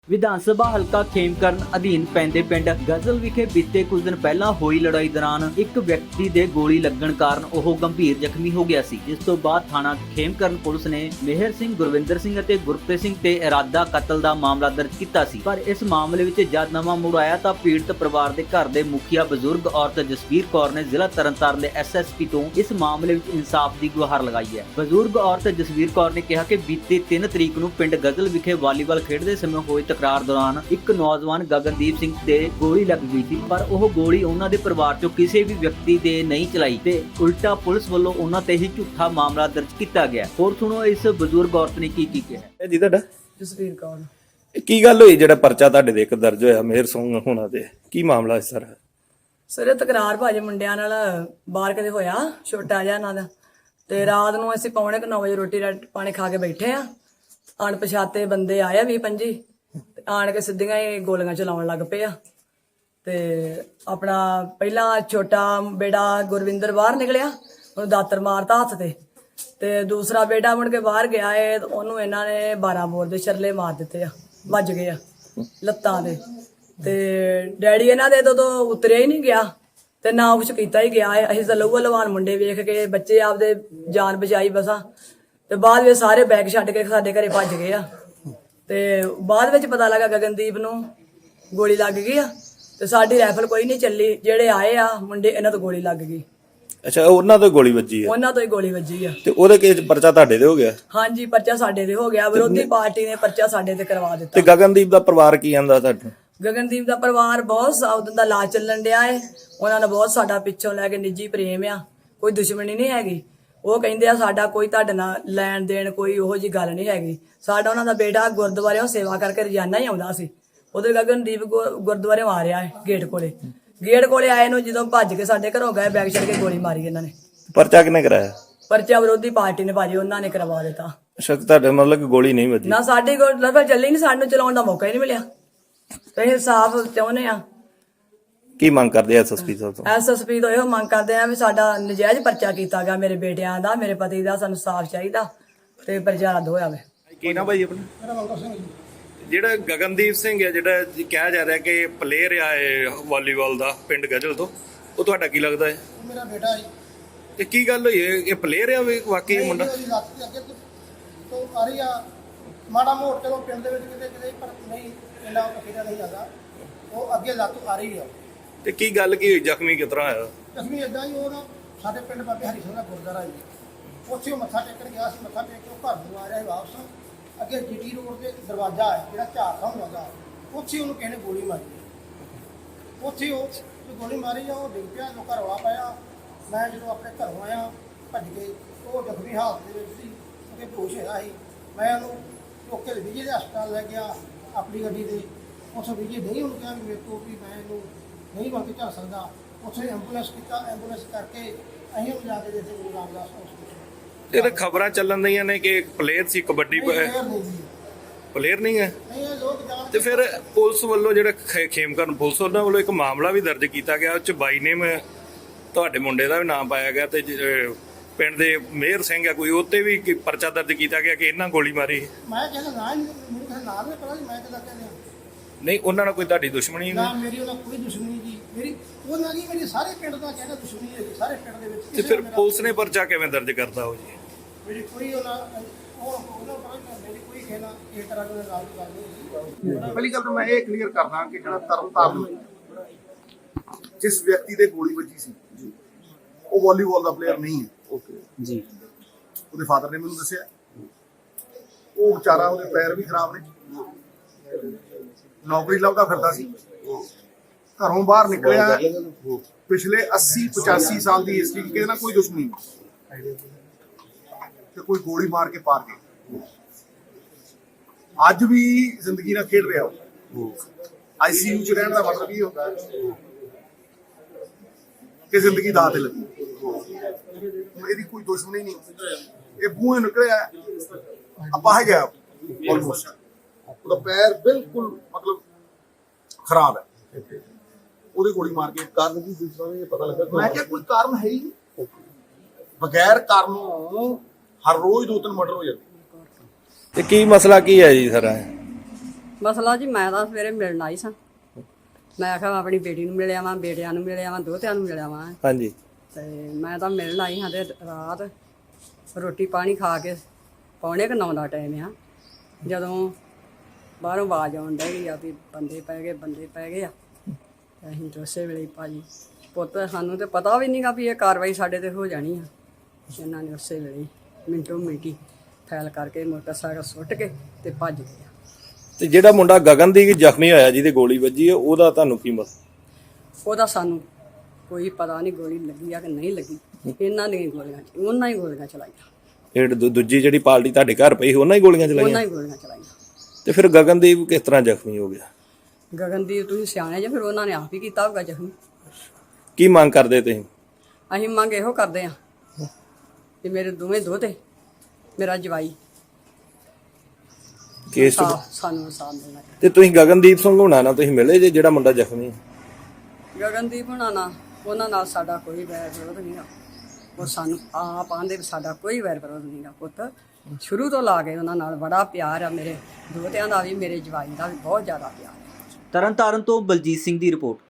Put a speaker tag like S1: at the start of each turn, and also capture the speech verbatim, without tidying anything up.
S1: ਵਿਧਾਨ ਸਭਾ ਹਲਕਾ ਖੇਮਕਰਨ ਅਧੀਨ ਪੈਂਦੇ ਪਿੰਡ ਗਜ਼ਲ ਵਿਖੇ ਬੀਤੇ ਕੁਝ ਦਿਨ ਪਹਿਲਾਂ ਹੋਈ ਲੜਾਈ ਦੌਰਾਨ ਇੱਕ ਵਿਅਕਤੀ ਦੇ ਗੋਲੀ ਲੱਗਣ ਕਾਰਨ ਉਹ ਗੰਭੀਰ ਜ਼ਖਮੀ ਹੋ ਗਿਆ ਸੀ, ਜਿਸ ਤੋਂ ਬਾਅਦ ਥਾਣਾ ਖੇਮਕਰਨ ਪੁਲਿਸ ਨੇ ਮੇਹਰ ਸਿੰਘ, ਗੁਰਵਿੰਦਰ ਸਿੰਘ ਅਤੇ ਗੁਰਪ੍ਰੀਤ ਸਿੰਘ ਤੇ ਇਰਾਦਾ ਕਤਲ ਦਾ ਮਾਮਲਾ ਦਰਜ ਕੀਤਾ ਸੀ। ਪਰ ਇਸ ਮਾਮਲੇ ਵਿੱਚ ਜਦ ਨਵਾਂ ਮੁੜ ਆਇਆ ਤਾਂ ਪੀੜਤ ਪਰਿਵਾਰ ਦੇ ਘਰ ਦੇ ਮੁਖੀਆ ਬਜ਼ੁਰਗ ਔਰਤ ਜਸਵੀਰ ਕੌਰ ਨੇ ਜ਼ਿਲ੍ਹਾ ਤਰਨਤਾਰਨ ਦੇ ਐਸ ਐਸ ਪੀ ਤੋਂ ਇਸ ਮਾਮਲੇ ਵਿੱਚ ਇਨਸਾਫ ਦੀ ਗੁਹਾਰ ਲਗਾਈ ਹੈ। ਬਜ਼ੁਰਗ ਔਰਤ ਜਸਵੀਰ ਕੌਰ ਨੇ ਕਿਹਾ ਕਿ ਬੀਤੇ ਤਿੰਨ ਤਰੀਕ ਨੂੰ ਪਿੰਡ ਗਜ਼ਲ ਵਿਖੇ ਵਾਲੀਬਾਲ ਖੇਡਦੇ ਸਮੇਂ ਹੋਏ ਤਕਰਾਰ ਦੌਰਾਨ ਇੱਕ ਨੌਜਵਾਨ ਗਗਨਦੀਪ ਸਿੰਘ ਤੇ ਗੋਲੀ ਲੱਗ ਗਈ ਸੀ, ਪਰ ਉਹ ਗੋਲੀ ਉਹਨਾਂ ਦੇ ਪਰਿਵਾਰ ਚੋਂ ਕਿਸੇ ਵੀ ਵਿਅਕਤੀ ਦੇ ਨਹੀਂ ਚਲਾਈ ਤੇ ਉਲਟਾ ਪੁਲਿਸ ਵੱਲੋਂ ਉਹਨਾਂ ਤੇ ਹੀ ਝੂਠਾ ਮਾਮਲਾ ਦਰਜ ਕੀਤਾ ਗਿਆ। ਹੋਰ ਸੁਣੋ ਇਸ ਬਜ਼ੁਰਗ ਔਰਤ ਨੇ ਕੀ ਕੀ ਕਿਹਾ।
S2: ਇਹ ਜੀ ਤੁਹਾਡਾ
S3: ਜਸਵੀਰ ਕੌਰ।
S2: ਇਹ ਕੀ ਗੱਲ ਹੋਈ ਜਿਹੜਾ ਪਰਚਾ ਤੁਹਾਡੇ ਦੇ ਇੱਕ ਦਰਜ ਹੋਇਆ ਮੇਹਰ ਸਿੰਘ ਹੋਣਾ ਤੇ ਕੀ ਮਾਮਲਾ ਹੈ ਸਰ?
S3: ਸਰ ਇਹ ਤਕਰਾਰ ਭਾਜੀ ਮੁੰਡਿਆਂ ਨਾਲ ਬਾਹਰ ਕਿਤੇ ਹੋਇਆ, ਛੋਟਾ ਜਿਹਾ ਇਹਨਾਂ ਦਾ, ਤੇ ਰਾਤ ਨੂੰ ਅਸੀਂ ਪੌਣੇ ਕੁ ਨੌ ਵਜੇ ਰੋਟੀ ਪਾਣੀ ਖਾ ਕੇ ਬੈਠੇ ਆ। ਅਣਪਛਾਤੇ ਬੰਦੇ ਆਏ ਵੀਹ ਪੰਜੀ ਤੇ ਆਣ ਕੇ ਸਿੱਧੀਆਂ ਹੀ ਗੋਲੀਆਂ ਚਲਾਉਣ ਲੱਗ ਪਏ ਆ। ਤੇ ਆਪਣਾ ਪਹਿਲਾਂ ਛੋਟਾ ਬੇਟਾ ਗੁਰਵਿੰਦਰ ਬਾਹਰ ਨਿਕਲਿਆ, ਉਹਨੂੰ ਦਾਤਰ ਮਾਰਤਾ ਹੱਥ ਤੇ, ਤੇ ਦੂਸਰਾ ਬੇਟਾ ਮੁੜ ਕੇ ਬਾਹਰ ਗਿਆ ਏ, ਉਹਨੂੰ ਇਹਨਾਂ ਨੇ ਬਾਰਾਂ ਬੋਰ ਦੇ ਛਰਲੇ ਮਾਰ ਦਿੱਤੇ ਆ, ਵੱਜ ਗਏ ਆ ਲੱਤਾਂ ਦੇ। ਤੇ ਡੈਡੀ ਇਹਨਾਂ ਦੇ ਤੋਂ ਉਤਰਿਆ ਹੀ ਨਹੀਂ ਗਿਆ ਤੇ ਨਾ ਕੁਛ ਕੀਤਾ ਹੀ ਗਿਆ ਏ। ਅਸੀਂ ਤਾਂ ਲਹੂ ਲਵਾਨ ਮੁੰਡੇ ਵੇਖ ਕੇ ਬੱਚੇ ਆਪਦੇ ਜਾਨ ਬਚਾਈ ਬਸਾਂ, ਤੇ ਬਾਅਦ ਵਿੱਚ ਸਾਰੇ ਬੈਗ ਛੱਡ ਕੇ ਸਾਡੇ ਘਰੇ ਭੱਜ ਗਏ ਆ। ਤੇ ਬਾਅਦ ਵਿੱਚ ਪਤਾ ਲੱਗਾ ਗਗਨਦੀਪ ਨੂੰ ਗੋਲੀ ਲੱਗ ਗਈ ਆ, ਤੇ ਸਾਡੀ ਰਾਈਫਲ ਕੋਈ ਨਹੀਂ ਚੱਲੀ। ਜਿਹੜੇ ਆਏ ਆ ਮੁੰਡੇ, ਇਹਨਾਂ ਤੋਂ ਗੋਲੀ ਲੱਗ ਗਈ।
S2: ਅੱਛਾ, ਉਹਨਾਂ ਤੋਂ ਗੋਲੀ ਵੱਜੀ ਹੈ?
S3: ਉਹਨਾਂ ਤੋਂ ਹੀ ਗੋਲੀ ਵੱਜੀ ਆ।
S2: ਤੇ ਉਹਦੇ ਕੇਸ ਪਰਚਾ ਤੁਹਾਡੇ ਤੇ ਹੋ ਗਿਆ?
S3: ਹਾਂਜੀ, ਪਰਚਾ ਸਾਡੇ ਤੇ ਹੋ ਗਿਆ। ਵਿਰੋਧੀ ਪਾਰਟੀ ਨੇ ਪਰਚਾ ਸਾਡੇ ਤੇ ਕਰਵਾ ਦਿੱਤਾ।
S2: ਤੇ ਗਗਨਦੀਪ ਦਾ ਪਰਿਵਾਰ ਕੀ ਕਹਿੰਦਾ ਤੁਹਾਨੂੰ?
S3: ਗਗਨਦੀਪ ਦਾ ਪਰਿਵਾਰ ਬਹੁਤ ਉਦੋਂ ਦਾ ਇਲਾਜ ਚੱਲਣ ਡਿਆ ਏ। ਉਹਨਾਂ ਨੇ ਬਹੁਤ ਸਾਡਾ ਪਿੱਛੋਂ ਲੈ ਕੇ ਨਿੱਜੀ ਪ੍ਰੇਮ ਆ, ਕੋਈ ਦੁਸ਼ਮਣੀ ਨਹੀਂ ਹੈਗੀ। ਉਹ ਕਹਿੰਦੇ ਆ ਸਾਡਾ ਕੋਈ ਤੁਹਾਡੇ ਨਾਲ ਲੈਣ ਦੇਣ ਕੋਈ ਉਹੋ ਜਿਹੀ ਗੱਲ ਨਹੀਂ ਹੈਗੀ। ਸਾਡਾ ਉਹਨਾਂ ਦਾ ਬੇਟਾ ਗੁਰਦੁਆਰਿਓਂ ਸੇਵਾ ਕਰਕੇ ਰੋਜ਼ਾਨਾ ਹੀ ਆਉਂਦਾ ਸੀ। ਉਹਦੇ ਗਗਨਦੀਪ ਗੁਰਦੁਆਰੇ ਮਾਰਿਆ ਹੈ ਗੇਟ ਕੋਲੇ। ਗੇਟ ਕੋਲੇ ਆਏ ਨੂੰ ਜਦੋਂ ਭੱਜ ਕੇ ਸਾਡੇ ਘਰੋਂ ਗਏ, ਬੈਗ ਛੱਡ ਕੇ ਗੋਲੀ ਮਾਰੀ ਇਹਨਾਂ ਨੇ।
S2: ਪਰਚਾ ਕਿਹਨੇ ਕਰਾਇਆ?
S3: ਪਰਚਾ ਵਿਰੋਧੀ ਪਾਰਟੀ ਨੇ ਭਾਜੀ, ਉਹਨਾਂ ਨੇ ਕਰਵਾ ਦਿੱਤਾ।
S2: ਅੱਛਾ, ਤੁਹਾਡੇ ਮਤਲਬ ਕਿ ਗੋਲੀ ਨਹੀਂ ਵੱਜੀ?
S3: ਨਾ, ਸਾਡੀ ਗੋਲੀ ਚੱਲੀ ਨਹੀਂ, ਸਾਨੂੰ ਚਲਾਉਣ ਦਾ ਮੌਕਾ ਹੀ ਨਹੀਂ ਮਿਲਿਆ। ਤੇ ਇਨਸਾਫ ਚਾਹੁੰਦੇ ਆ।
S2: ਕੀ ਮੰਗ ਕਰਦੇ ਐਸ ਐਸ ਪੀ ਸਾਹਿਬ ਤੋਂ?
S3: ਐਸ ਐਸ ਪੀ ਤੋਂ ਇਹੋ ਮੰਗ ਕਰਦੇ ਆ ਵੀ ਸਾਡਾ ਨਜਾਇਜ਼ ਪਰਚਾ ਕੀਤਾ ਗਿਆ, ਮੇਰੇ ਬੇਟਿਆਂ ਦਾ, ਮੇਰੇ ਪਤੀ ਦਾ, ਸਾਨੂੰ ਸਾਫ਼ ਚਾਹੀਦਾ ਤੇ ਪਰਚਾ ਰੱਦ ਹੋਇਆ ਵੇ।
S2: ਕੀ ਨਾ ਭਾਈ ਆਪਣਾ?
S4: ਮੇਰਾ ਮੰਗਲ ਸਿੰਘ ਜੀ।
S2: ਜਿਹੜਾ ਗਗਨਦੀਪ ਸਿੰਘ ਹੈ, ਜਿਹੜਾ ਕਿਹਾ ਜਾ ਰਿਹਾ ਕਿ ਪਲੇਅਰ ਆ ਵਾਲੀਬਾਲ ਦਾ ਪਿੰਡ ਗਜ਼ਲ ਤੋਂ, ਉਹ ਤੁਹਾਡਾ ਕੀ ਲੱਗਦਾ ਹੈ?
S4: ਮੇਰਾ ਬੇਟਾ ਜੀ।
S2: ਤੇ ਕੀ ਗੱਲ ਹੋਈ ਹੈ? ਇਹ ਪਲੇਅਰ ਆ ਵਾਕਈ ਮੁੰਡਾ?
S4: ਉਹਦੀ ਲੱਤ ਦੇ ਅੱਗੇ ਤੋਂ ਆ ਰਹੀ ਆ, ਮਾੜਾ ਮੋੜ ਚਲੋ ਪਿੰਡ ਦੇ ਵਿੱਚ ਕਿਤੇ ਕਿਤੇ, ਪਰ ਨਹੀਂ ਇੰਨਾ ਕਿਤੇ ਨਹੀਂ ਜਾਂਦਾ। ਉਹ ਅੱਗੇ ਲੱਤ ਆ ਰਹੀ ਆ।
S2: ਤੇ ਕੀ ਗੱਲ ਕੀ ਹੋਈ? ਜ਼ਖਮੀ ਕਿਸ ਤਰ੍ਹਾਂ ਆਇਆ?
S4: ਜ਼ਖਮੀ ਏਦਾਂ ਹੀ, ਉਹ ਨਾ ਸਾਡੇ ਪਿੰਡ ਬਾਬੇ ਹਰੀ ਸਿੰਘ ਦਾ ਗੁਰਦੁਆਰਾ ਜੀ, ਉੱਥੇ ਉਹ ਮੱਥਾ ਟੇਕਣ ਗਿਆ ਸੀ। ਮੱਥਾ ਟੇਕ ਕੇ ਉਹ ਘਰ ਨੂੰ ਆ ਰਿਹਾ ਸੀ ਵਾਪਸ। ਅੱਗੇ ਜੀਟੀ ਰੋਡ ਤੇ ਦਰਵਾਜ਼ਾ ਹੈ ਜਿਹੜਾ ਝਾੜਦਾ ਹੁੰਦਾ, ਉੱਥੇ ਉਹਨੂੰ ਕਿਸੇ ਨੇ ਗੋਲੀ ਮਾਰੀ। ਉੱਥੇ ਉਹ ਗੋਲੀ ਮਾਰੀ ਆ, ਉਹ ਡਿੱਗ ਪਿਆ, ਲੋਕਾਂ ਰੌਲਾ ਪਾਇਆ। ਮੈਂ ਜਦੋਂ ਆਪਣੇ ਘਰੋਂ ਆਇਆ ਭੱਜ ਕੇ, ਉਹ ਜ਼ਖਮੀ ਹਾਲਤ ਦੇ ਵਿੱਚ ਸੀ, ਉਹਦੇ ਬੇਹੋਸ਼ ਹੈਗਾ ਸੀ। ਮੈਂ ਉਹਨੂੰ ਚੁੱਕ ਕੇ ਵਿਜੇ ਦੇ ਹਸਪਤਾਲ ਲੈ ਗਿਆ ਆਪਣੀ ਗੱਡੀ ਤੇ। ਉੱਥੋਂ ਵਿਜੇ ਨਹੀਂ ਉਹਨੂੰ ਕਿਹਾ ਵੀ ਮੇਰੇ ਕੋਲ ਵੀ ਮੈਂ ਇਹਨੂੰ ਨਹੀਂ ਬਣ ਕੇ ਚੱਲ ਸਕਦਾ। ਉੱਥੇ ਐਂਬੂਲੈਂਸ ਕੀਤਾ, ਐਂਬੂਲੈਂਸ ਕਰਕੇ ਅਸੀਂ ਉਹਨੂੰ ਜਾ ਕੇ ਦਿੱਤੇ ਗੁਰੂ ਰਾਮਦਾਸ ਹਸਪਤਾਲ।
S2: ਇਹ ਤਾਂ ਖਬਰਾਂ ਚੱਲਣ ਰਹੀਆਂ ਨੇ ਕਿ ਪਲੇਅਰ ਸੀ ਕਬੱਡੀ ਪਲੇਅਰ ਨਹੀਂ ਹੈ। ਤੇ ਫਿਰ ਪੁਲਿਸ ਵੱਲੋਂ ਜਿਹੜਾ ਖੇਮਕਰਨ ਪੁਲਿਸ ਉਹਨਾਂ ਵੱਲੋਂ ਇੱਕ ਮਾਮਲਾ ਵੀ ਦਰਜ ਕੀਤਾ ਗਿਆ, ਉਹ ਚ ਬਾਈ ਨੇਮ ਤੁਹਾਡੇ ਮੁੰਡੇ ਦਾ ਵੀ ਨਾਮ ਪਾਇਆ ਗਿਆ, ਤੇ ਪਿੰਡ ਦੇ ਮੇਹਰ ਸਿੰਘ ਆ ਕੋਈ, ਉੱਤੇ ਵੀ ਪਰਚਾ ਦਰਜ ਕੀਤਾ ਗਿਆ ਕਿ ਇਹਨਾਂ ਗੋਲੀ ਮਾਰੀ।
S4: ਮੈਂ ਕਹਿੰਦਾ ਨਾ, ਮੈਨੂੰ ਕਿਸੇ ਨਾਮ ਨਹੀਂ ਪਤਾ, ਮੈਂ ਕਿਹਦਾ ਕਹਿੰਦਾ
S2: ਨਹੀਂ, ਉਹਨਾਂ ਨਾਲ ਕੋਈ ਤੁਹਾਡੀ ਦੁਸ਼ਮਣੀ
S4: ਨਾ? ਮੇਰੀ ਉਹਨਾਂ ਕੋਈ ਦੁਸ਼ਮਣੀ ਜੀ, ਮੇਰੀ ਉਹਨਾਂ ਦੀ ਮੇਰੀ ਸਾਰੇ ਪਿੰਡ ਦਾ ਕਹਿੰਦਾ ਦੁਸ਼ਮਣੀ ਹੈ ਜੀ, ਸਾਰੇ ਪਿੰਡ ਦੇ ਵਿੱਚ।
S2: ਤੇ ਫਿਰ ਪੁਲਿਸ ਨੇ ਪਰਚਾ ਕਿਵੇਂ ਦਰਜ ਕਰਤਾ ਉਹ ਜੀ?
S4: ਮੇਰੀ ਕੋਈ ਉਹਨਾਂ ਉਹ ਉਹਨਾਂ ਪਰ ਮੇਰੀ ਕੋਈ ਕਹਿਣਾ ਇਹ ਤਰ੍ਹਾਂ ਦੇ ਨਾਲ ਦੀ ਗੱਲ ਨਹੀਂ।
S5: ਪਹਿਲੀ ਗੱਲ ਤਾਂ ਮੈਂ ਇਹ ਕਲੀਅਰ ਕਰਦਾ ਕਿ ਜਿਹੜਾ ਤਰਨਤਾਰਨ ਜਿਸ ਵਿਅਕਤੀ ਦੇ ਗੋਲੀ ਵੱਜੀ ਸੀ ਉਹ ਵਾਲੀਬਾਲ ਦਾ ਪਲੇਅਰ ਨਹੀਂ ਹੈ। ਓਕੇ ਜੀ। ਉਹਦੇ ਫਾਦਰ ਨੇ ਮੈਨੂੰ ਦੱਸਿਆ, ਉਹ ਵਿਚਾਰਾ, ਉਹਦੇ ਪੈਰ ਵੀ ਖਰਾਬ ਨੇ, ਨੌਕਰੀ ਲੱਭਦਾ ਫਿਰਦਾ ਸੀ, ਘਰੋਂ ਬਾਹਰ ਨਿਕਲਿਆ। ਪਿਛਲੇ ਅੱਸੀ ਪਚਾਸੀ ਸਾਲ ਦੀ ਹਿਸਟਰੀ ਕਿਸੇ ਨਾਲ ਕੋਈ ਦੁਸ਼ਮਣੀ ਨਹੀਂ, ਤੇ ਕੋਈ ਗੋਲੀ ਮਾਰ ਕੇ ਪਾਰ ਗਏ। ਅੱਜ ਵੀ ਜ਼ਿੰਦਗੀ ਨਾਲ ਖੇਡ ਰਿਹਾ ਉਹ। ਆਈ ਸੀ ਯੂ ਚ ਰਹਿਣ ਦਾ ਮਤਲਬ ਇਹ ਹੁੰਦਾ ਕਿ ਜ਼ਿੰਦਗੀ ਦਾਅ ਤੇ ਲੱਗੀ। ਇਹਦੀ ਕੋਈ ਦੁਸ਼ਮਣੀ ਨਹੀਂ, ਇਹ ਬੂਹੇ ਨਿਕਲਿਆ ਅਪਾਹਜ ਗਿਆ ਆਲਮੋਸਟ। ਉਹਦਾ ਪੈਰ ਬਿਲਕੁਲ ਮਤਲਬ ਖਰਾਬ ਹੈ। ਉਹਦੀ ਗੋਲੀ ਮਾਰ ਕੇ ਕਾਰਨ ਕੀ ਪਤਾ ਲੱਗਾ? ਮੈਂ ਕਿਹਾ ਕੋਈ ਕਾਰਨ ਹੈ ਹੀ ਨਹੀਂ, ਬਗੈਰ ਕਾਰਨੋਂ ਹਰ ਰੋਜ਼ ਦੋ ਤਿੰਨ ਮਰਡਰ ਹੋ ਜਾਂਦੇ।
S2: ਤੇ ਕੀ ਮਸਲਾ ਕੀ ਹੈ ਜੀ ਸਰ?
S6: ਮਸਲਾ ਜੀ ਮੈਂ ਤਾਂ ਸਵੇਰੇ ਮਿਲਣ ਆਈ ਸਾਂ। ਮੈਂ ਆਖਿਆ ਮੈਂ ਆਪਣੀ ਬੇਟੀ ਨੂੰ ਮਿਲਿਆ ਵਾਂ, ਬੇਟਿਆਂ ਨੂੰ ਮਿਲਿਆ ਵਾਂ, ਦੋਹਤਿਆਂ ਨੂੰ ਮਿਲਿਆ ਵਾਂ
S2: ਹਾਂਜੀ।
S6: ਤੇ ਮੈਂ ਤਾਂ ਮਿਲਣ ਆਈ ਹਾਂ ਤੇ ਰਾਤ ਰੋਟੀ ਪਾਣੀ ਖਾ ਕੇ ਪੌਣੇ ਕੁ ਨੌ ਦਾ ਟਾਈਮ ਆ, ਜਦੋਂ ਬਾਹਰੋਂ ਆਵਾਜ਼ ਆਉਣ ਡਈ ਆ ਵੀ ਬੰਦੇ ਪੈ ਗਏ ਬੰਦੇ ਪੈ ਗਏ ਆ। ਤੇ ਅਸੀਂ ਤਾਂ ਉਸੇ ਵੇਲੇ ਹੀ ਭਾਜੀ ਪੁੱਤ ਸਾਨੂੰ ਤੇ ਪਤਾ ਵੀ ਨਹੀਂਗਾ ਵੀ ਇਹ ਕਾਰਵਾਈ ਸਾਡੇ ਤੇ ਹੋ ਜਾਣੀ ਆ। ਇਹਨਾਂ ਨੇ ਉਸੇ ਵੇਲੇ ਹੀ ਮਿੰਟੋ ਮਿੰਟੀ ਫੈਲ ਕਰਕੇ ਮੋਟਰਸਾਈਕਲ ਸੁੱਟ ਕੇ ਤੇ ਭੱਜ ਗਏ ਆ।
S2: ਤੇ ਜਿਹੜਾ ਮੁੰਡਾ ਗਗਨਦੀਪ ਜ਼ਖਮੀ ਹੋਇਆ ਜਿਹਦੇ ਗੋਲੀ ਵੱਜੀ ਹੈ, ਉਹਦਾ ਤੁਹਾਨੂੰ ਕੀ ਮਤਲਬ?
S6: ਉਹਦਾ ਸਾਨੂੰ ਕੋਈ ਪਤਾ ਨਹੀਂ ਗੋਲੀ ਲੱਗੀ ਆ ਕਿ ਨਹੀਂ ਲੱਗੀ। ਇਹਨਾਂ ਨੇ ਗੋਲੀਆਂ ਉਹਨਾਂ ਹੀ ਗੋਲੀਆਂ ਚਲਾਈਆਂ।
S2: ਇਹ ਦੂ- ਦੂਜੀ ਜਿਹੜੀ ਪਾਰਟੀ ਤੁਹਾਡੇ ਘਰ ਪਈ ਉਹਨਾਂ ਹੀ ਗੋਲੀਆਂ
S6: ਉਹਨਾਂ
S2: ਚਲਾਈਆਂ?
S6: ਹੀ ਗੋਲੀਆਂ ਚਲਾਈਆਂ।
S2: ਤੇ ਫਿਰ ਗਗਨਦੀਪ ਕਿਸ ਤਰ੍ਹਾਂ ਜ਼ਖਮੀ ਹੋ ਗਿਆ?
S6: ਗਗਨਦੀਪ ਤੁਸੀਂ ਸਿਆਣੇ ਜੇ, ਫਿਰ ਉਹਨਾਂ ਨੇ ਆਪ ਹੀ ਕੀਤਾ ਹੋਊਗਾ ਜ਼ਖਮੀ।
S2: ਕੀ ਮੰਗ ਕਰਦੇ ਤੁਸੀਂ?
S6: ਅਸੀਂ ਮੰਗ ਇਹੋ ਕਰਦੇ ਆ ਕਿ ਮੇਰੇ ਦੋਵੇਂ ਦੋਹਤੇ, ਮੇਰਾ ਜਵਾਈ
S2: ਕੇਸ ਚ-
S6: ਸਾਫ਼ ਸਾਨੂੰ ਇਨਸਾਫ ਮਿਲਣਾ ਚਾਹੀਦਾ।
S2: ਤੇ ਤੁਸੀਂ ਗਗਨਦੀਪ ਸਿੰਘ ਹੋਣਾ ਨਾਲ ਤੁਸੀਂ ਮਿਲੇ ਜੇ ਜਿਹੜਾ ਮੁੰਡਾ ਜ਼ਖਮੀ ਹੈ?
S6: ਗਗਨਦੀਪ ਹੁਣਾਂ ਨਾਲ ਉਹਨਾਂ ਨਾਲ ਸਾਡਾ ਕੋਈ ਵੈਰ ਵਿਰੋਧ ਨਹੀਂਗਾ। ਉਹ ਸਾਨੂੰ ਆਪ ਆਂਦੇ ਵੀ ਸਾਡਾ ਕੋਈ ਵੈਰ ਵਿਰੋਧ ਨਹੀਂਗਾ। ਪੁੱਤ ਸ਼ੁਰੂ ਤੋਂ ਲਾ ਕੇ ਉਹਨਾਂ ਨਾਲ ਬੜਾ ਪਿਆਰ ਆ। ਮੇਰੇ ਦੋਹਤਿਆਂ ਦਾ ਵੀ ਮੇਰੇ ਜਵਾਈ ਦਾ ਵੀ ਬਹੁਤ ਜ਼ਿਆਦਾ ਪਿਆਰ ਆ।
S1: ਤਰਨਤਾਰਨ ਤੋਂ ਬਲਜੀਤ ਸਿੰਘ ਦੀ ਰਿਪੋਰਟ।